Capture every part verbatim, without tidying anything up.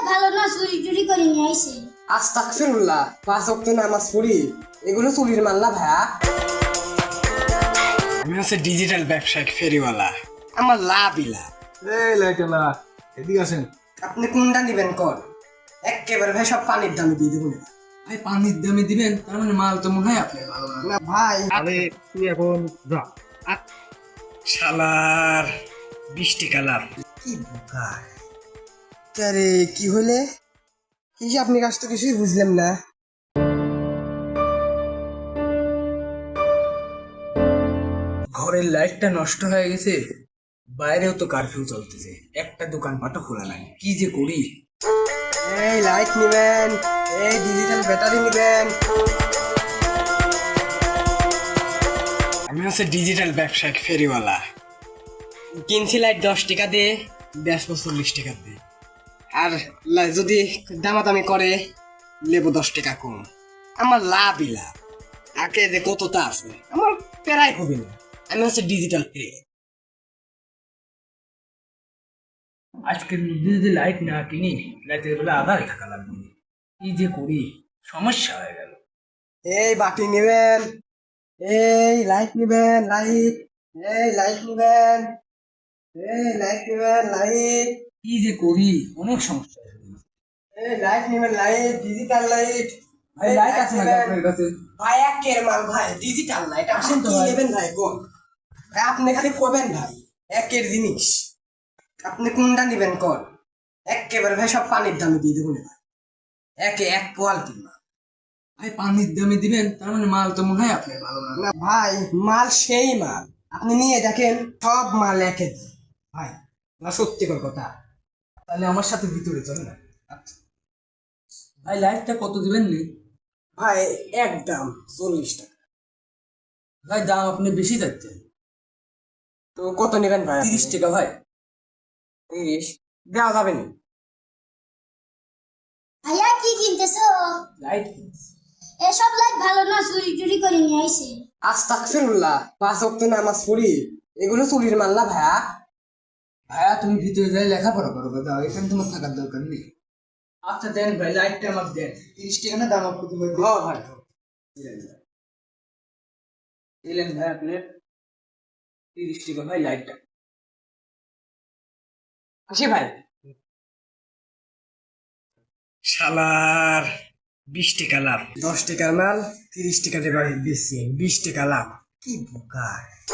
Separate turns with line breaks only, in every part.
ভালো না, চুরি টুরি করে নিয়ে আইছে।
আস্তাগফিরুল্লাহ, পাঁচ ওয়াক্ত নামাজ পড়ি, এগুলো চুরির মাল না ভাইয়া। আমি হচ্ছে ডিজিটাল ব্যবসায়িক ফেরিওয়ালা, আমার লাভই লাভ।
এই লাইটেলা এদিকে আসেন।
আপনি কোনটা নিবেন কর, একেবারে ভাই সব পানির দামে দিয়ে দেবো না।
ভাই পানির দামে দিবেন, তার মানে মাল তো মনে হয় আপনার ভালো না।
না ভাই,
আরে তুই এখন যা।
শালার বিশ টাকা লাভ। কি বোকা রে, কি হলে কি যে আপনি কাজ তো কিছুই বুঝলেন না।
ঘরের লাইটটা নষ্ট হয়ে গেছে, বাইরেও তো কারফিউ চলতেছে, একটা দোকানপাটও খোলা নাই, কি যে করি।
এই লাইট নিবেন, এই ডিজিটাল ব্যাটারি নিবেন। আমি হচ্ছে ডিজিটাল ব্যবসায়িক ফেরিওয়ালা, কিনছি লাইট দশ টাকা দিয়ে, বেচবো চল্লিশ টাকা দিয়ে। আর লা- যদি দামাদামি করে লেবো দশ টাকা কম, আমার লাভই লাভ। আগে যে কতটা আছে আমার প্রায় হবে না। আমি হচ্ছে ডিজিটাল ফেরি।
আজকের মধ্যে যদি লাইট না কিনি, লাইটের বেলা আধারে থাকা লাগবে, কি যে করি, সমস্যা হয়ে গেল।
এই বাটি নিবেন, এই লাইট নিবেন, লাইট, এই লাইট নিবেন, এই লাইট নিবেন, লাইট,
কি যে করি, অনেক সমস্যা হয়ে গেল।
এই লাইট নিবেন, লাইট, ডিজিটাল লাইট।
ভাই লাইট আছে নাকি আপনার কাছে?
ভাই একের মাল ভাই, ডিজিটাল লাইট। আসেন তো
ভাই।
নেবেন ভাই, কোন ভাই আপনি খালি কবেন ভাই, একের জিনিস। আপনি কোনটা নিবেন কোন, একেবারে ভাই সব পানির দামে দিয়ে দেবো না ভাই, একে এক কোয়ালিটির মাল।
ভাই পানির দামে দিবেন, তার মানে মাল তো মনে হয় আপনার ভালো না।
না ভাই, মাল সেই মাল, আপনি নিয়ে দেখেন সব মাল একে ভাই, না সত্যিকার কথা।
তাহলে আমার সাথে ভিতরে চলে না। ভাই লাইটটা কত দিবেন নি?
ভাই একদম চল্লিশ টাকা।
ভাই দাম আপনি বেশি যাচ্ছেন।
তো কত নেবেন ভাই?
তিরিশ টাকা ভাই।
তিরিশ দেওয়া যাবে না।
ভাইয়া কি কিনতেছো?
লাইট
এসব লাইট ভালো না, চুরি টুরি করে নিয়ে আইছে।
আস্তাগফিরুল্লাহ, পাঁচ ওয়াক্ত নামাজ পড়ি, এগুলো চুরির মাল না ভাইয়া।
ভাইয়া তুমি ভিতরে যাই লেখাপড়া করো, দাদা এখানে তোমার থাকার দরকার নেই। আচ্ছা দেন ভাই, লাইটটা আমার দেন। তিরিশ টাকা না দাম আপনি তোমার
হ ভাই,
দিলেন ভাই আপনি তিরিশ টাকা ভাই লাইটটা।
আসি ভাই। শালার বিশ টাকা লাভ, দশ টাকার মাল তিরিশ টাকা দিয়ে বাড়ি বেশি, বিশ টাকা লাভ। কি বোকা।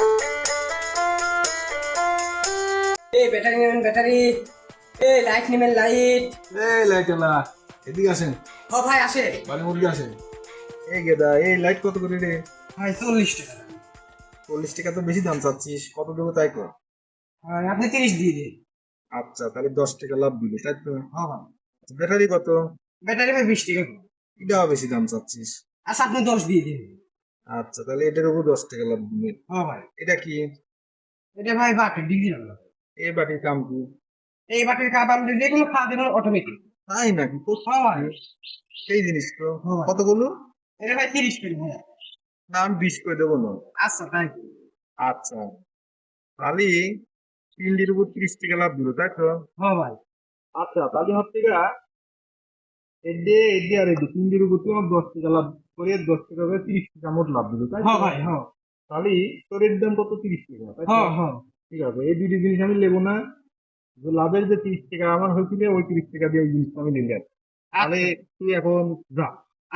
এই ব্যাটারি নেবেন, ব্যাটারি, এই লাইট নেবেন, লাইট।
এই লাইটেলা এদিকে আসেন।
হ ভাই আসে।
বাড়ি মুরগি আসেন। এই গেদা, এই লাইট কত করে রে?
ভাই চল্লিশ টাকা।
চল্লিশ টাকা তো বেশি দাম চাচ্ছিস, কত দেবো তাই কর।
ভাই আপনি তিরিশ দিয়ে দিন।
আচ্ছা তাহলে দশ টাকা লাভ দিবি তাই তো? হ্যাঁ হ্যাঁ। ব্যাটারি কত?
ব্যাটারি ভাই বিশ টাকা।
এটাও বেশি দাম চাচ্ছিস।
আচ্ছা আপনি দশ দিয়ে দিন।
আচ্ছা তাহলে এটার উপর দশ টাকা লাভ দিবি।
হ্যাঁ ভাই।
এটা কি?
এটা ভাই বাকি ডিজিটাল।
এই বাটির দাম কি?
এই বাটির কাপ আপনি যে কোনো খাওয়া দেবেন অটোমেটিক।
তাই নাকি? তো
হ্যাঁ ভাই।
সেই জিনিস তো।
হ্যাঁ।
কতগুলো?
এটা ভাই তিরিশ করে ভাই।
না আমি বিশ করে দেবো না।
আচ্ছা তাই।
আচ্ছা তাহলে তিনটির উপর তিরিশ টাকা লাভ দিল তাই তো?
হ্যাঁ ভাই।
আচ্ছা তাহলে হচ্ছে গা এডে এডে আর এডে তিন দিনের উপর তোমার দশ টাকা লাভ করে দশ টাকা করে তিরিশ টাকা মোট লাভ দিল তাই তো?
হ্যাঁ ভাই, হ্যাঁ।
তাহলে তোর এর দাম কত? তিরিশ টাকা তাই তো?
হ্যাঁ হ্যাঁ।
ঠিক আছে এই দুটি জিনিস আমি নেবো না, যে লাভের যে তিরিশ টাকা আমার হয়েছিল ওই তিরিশ টাকা দিয়ে ওই জিনিসটা আমি নিলাম। তাহলে তুই এখন যা।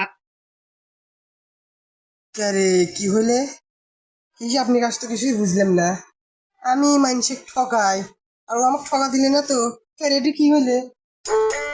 আরে কি হলে কি যে আপনি কাজ তো কিছুই বুঝলেন না। আমি মানুষে ঠকাই আর ও আমাকে ঠকা দিলে না তো, রেডি কি হলে?